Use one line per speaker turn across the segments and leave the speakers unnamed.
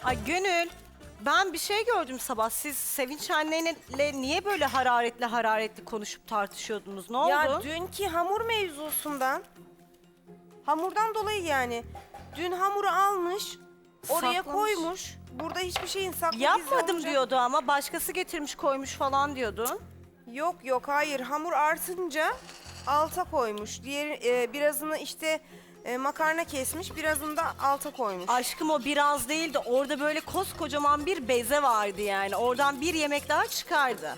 Ay Gönül, ben bir şey gördüm sabah. Siz Sevinç anneyle niye böyle hararetli konuşup tartışıyordunuz? Ne oldu?
Ya dünkü hamur mevzusundan. Hamurdan dolayı yani. Dün hamuru almış, oraya
Saklamış.
koymuş. Burada hiçbir şeyin saklı gizli
Yapmadım
olacak.
diyordu ama başkası getirmiş koymuş falan diyordun.
Yok hayır. Hamur artınca alta koymuş. Diğer birazını işte makarna kesmiş, birazını da alta koymuş.
Aşkım o biraz değildi. Orada böyle koskocaman bir beze vardı yani. Oradan bir yemek daha çıkardı.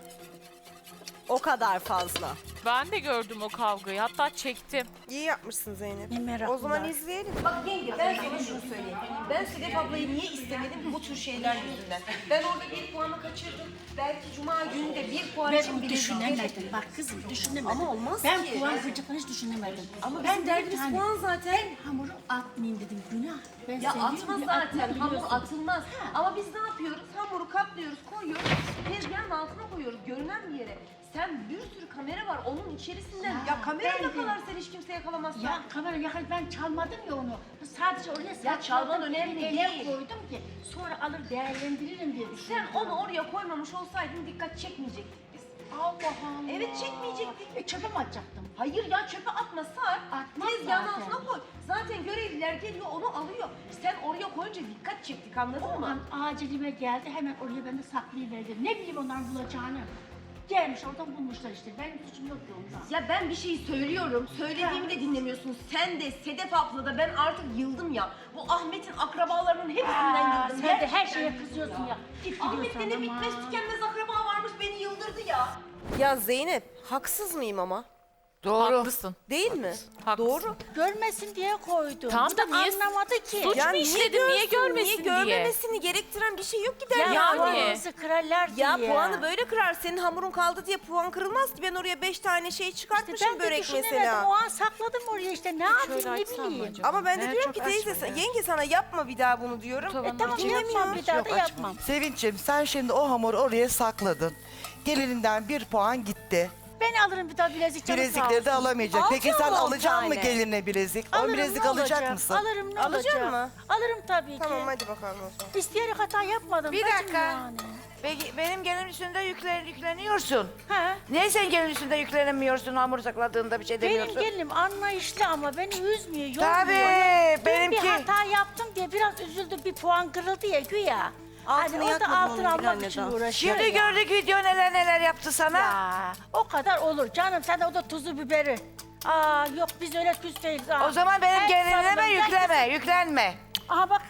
O kadar fazla.
Ben de gördüm o kavgayı. Hatta çektim.
İyi yapmışsın Zeynep.
Ne meraklılar.
O zaman izleyelim.
Bak yenge ben sana şunu söyleyeyim. Ben Sedef ablayı niye istemedim bu tür şeyler yüzünden. Ben orada bir puanı kaçırdım. Belki cuma günü de bir puan için
Ben
bile
düşünemedim. Bak kızım düşünemedim.
Ama olmaz
ben
ki.
puan kıracaklarını hiç düşünemedim.
Ama
ben
bizim derdimiz
hani,
puan zaten.
Ben hamuru atmayayım dedim. Günah. Ben
Ya
seviyorum
atmaz
diye
zaten.
atmam
Hamur
biliyorsun.
atılmaz. Ama biz ne yapıyoruz? Hamuru katlıyoruz, koyuyoruz. Tezgahın altına koyuyoruz. Görünen bir yere. Sen bir sürü kamera var onun içerisinden. Ya kamera
ben de-
yakalarsan hiç kimse yakalamaz.
Ya kamera yakal ben çalmadım ya onu. Sadece oraya sakladım.
çalman önemli
bir yere
değil.
koydum ki sonra alır değerlendiririm diye düşündüm.
Sen onu oraya koymamış olsaydın dikkat çekmeyecektik biz.
Allah Allah.
Evet, çekmeyecektik.
Çöpe mi atacaktım?
Hayır ya çöpe atma sar.
Atmam
Tezgahın
zaten.
altına koy. Zaten görevliler geliyor onu alıyor. Sen oraya koyunca dikkat çektik anladın
O
mı?
an acilime geldi hemen oraya ben de saklayıverdim. Ne bileyim onların bulacağını. Gelmiş oradan bulmuşlar işte. Benim suçum yok ki ondan.
Ya ben bir şey söylüyorum. Söylediğimi de dinlemiyorsun. Sen de Sedef abla da ben artık yıldım ya. Bu Ahmet'in akrabalarının hepsinden yıldım.
Sen de her
Gerçekten
şeye
yıldım
kızıyorsun ya. Git
Ahmet'te
gidiyorsun
ne
ama.
bitmez tükenmez akraba varmış beni yıldırdı ya.
Ya Zeynep, haksız mıyım ama?
Doğru.
Haklısın.
Değil mi?
Haklısın.
Doğru.
Görmesin diye koydum.
Tamam
Bu
da niye-
anlamadı ki.
Suç mu işledin, niye görmesin diye?
görmemesini gerektiren bir şey yok ki der
Ya
Yani.
puanımızı kırarlar diye.
Ya puanı böyle kırar. Senin hamurun kaldı diye puan kırılmaz ki. Ben oraya 5 tane şey çıkartmışım
ben de
börek
düşünemedim.
mesela.
O an sakladım oraya işte. Ne yapayım ne
açsam mı
bileyim.
acaba?
Ama ben de
Evet,
diyorum
çok
ki teyze
açma ya.
yenge sana yapma bir daha bunu diyorum.
Tamam
dinlemiyor.
yapmam bir daha da yapmam.
Sevinç'im sen şimdi o hamuru oraya sakladın. Gelininden 1 puan gitti.
Ben alırım bir daha bilezik canım sağ
Bilezikleri de
olsun.
alamayacak. Peki sen
Alacağım on
alacaksın mı
tane.
geline bilezik? O
Alırım,
bilezik
ne
alacak
olacak?
mısın?
Alırım ne
Alacak
olacak?
mı?
Alırım tabii ki.
Tamam hadi bakalım o zaman.
İsteyerek hata yapmadım.
Bir
bacım
dakika.
Yani.
Peki benim gelin üstünde yükleniyorsun.
Ha?
Niye sen gelin üstünde yüklenemiyorsun hamur sakladığında bir şey
Benim
demiyorsun?
gelinim anlayışlı ama beni üzmüyor, yormuyor.
Tabii,
Dün
benimki.
bir hata yaptım diye biraz üzüldü, bir puan kırıldı ya güya.
Altını
Hani o da
yakmadın
altın
onun bir
almak
anne
için
daha.
uğraşıyor
Şimdi
ya.
gördük video neler yaptı sana.
Ya, o kadar olur canım, sen de o da tuzu biberi. Aa yok biz öyle küs değiliz. Aa,
O zaman benim
her
gelinime
zaman-
yükleme, yüklenme.
Aha bak,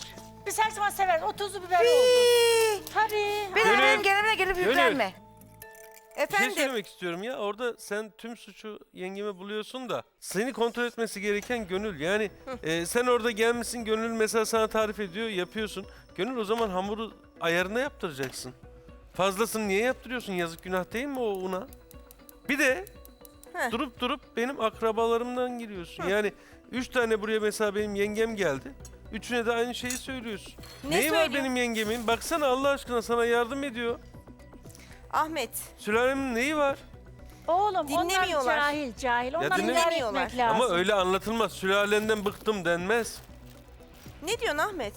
biz her zaman severiz, o tuzu biberi oldu.
Hii.
Tabii.
Bir de
Gönül.
benim gelinime gelip
Gönül.
yüklenme.
Bir şey
Efendim.
söylemek istiyorum ya. Orada sen tüm suçu yengeme buluyorsun da seni kontrol etmesi gereken Gönül. Yani sen orada gelmişsin, Gönül mesela sana tarif ediyor, yapıyorsun. Gönül o zaman hamuru ayarına yaptıracaksın. Fazlasını niye yaptırıyorsun? Yazık günah değil mi o una? Bir de
Heh.
durup benim akrabalarımdan giriyorsun. Yani 3 tane buraya mesela benim yengem geldi. Üçüne de aynı şeyi söylüyorsun.
Ne
Neyi var
söylüyor?
benim yengemin? Baksana Allah aşkına sana yardım ediyor.
Ahmet.
Sülalemin neyi var?
Oğlum onlar
Dinlemiyorlar.
cahil. Onları
dinlemiyorlar.
etmek lazım.
Ama öyle anlatılmaz. Sülalenden bıktım denmez.
Ne diyorsun Ahmet?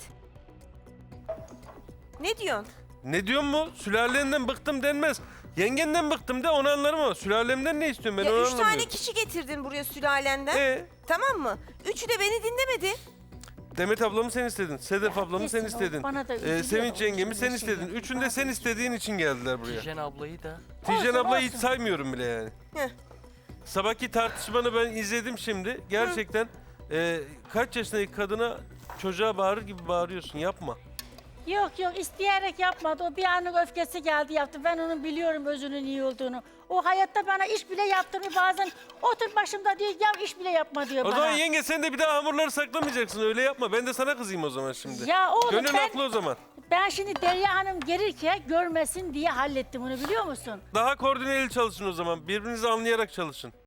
Ne diyorsun?
Ne diyorsun mu? Sülalenden bıktım denmez. Yengenden bıktım de onu anlarım ama sülalemden ne istiyorum ben
Ya
onu
3 tane
anlamıyorum.
kişi getirdin buraya sülalenden. Tamam mı? Üçü de beni dinlemedi.
Demet ablamı sen istedin. Sedef ablamı sen
Kesin o
istedin.
bana da üzülüyor
Sevinç
o
yengemi
şimdi
sen
şey
istedin.
yapıyor.
Üçünü de sen istediğin için geldiler buraya.
Tijen ablayı da.
Tijen
Olsun,
ablayı hiç
olsun.
saymıyorum bile yani.
Heh.
Sabahki tartışmanı ben izledim şimdi. Gerçekten kaç yaşındaki kadına çocuğa bağırır gibi bağırıyorsun. Yapma.
Yok isteyerek yapmadı. O bir anlık öfkesi geldi yaptı. Ben onun biliyorum özünün iyi olduğunu. O hayatta bana iş bile yaptırmıyor bazen. Otur başımda diyor ya iş bile yapma diyor
O
bana.
zaman yenge sen de bir daha hamurları saklamayacaksın. Öyle yapma. Ben de sana kızayım o zaman şimdi.
Ya oğlum
Gönül
ben,
haklı o zaman.
ben şimdi Derya Hanım gelirken görmesin diye hallettim onu biliyor musun?
Daha koordineli çalışın o zaman. Birbirinizi anlayarak çalışın.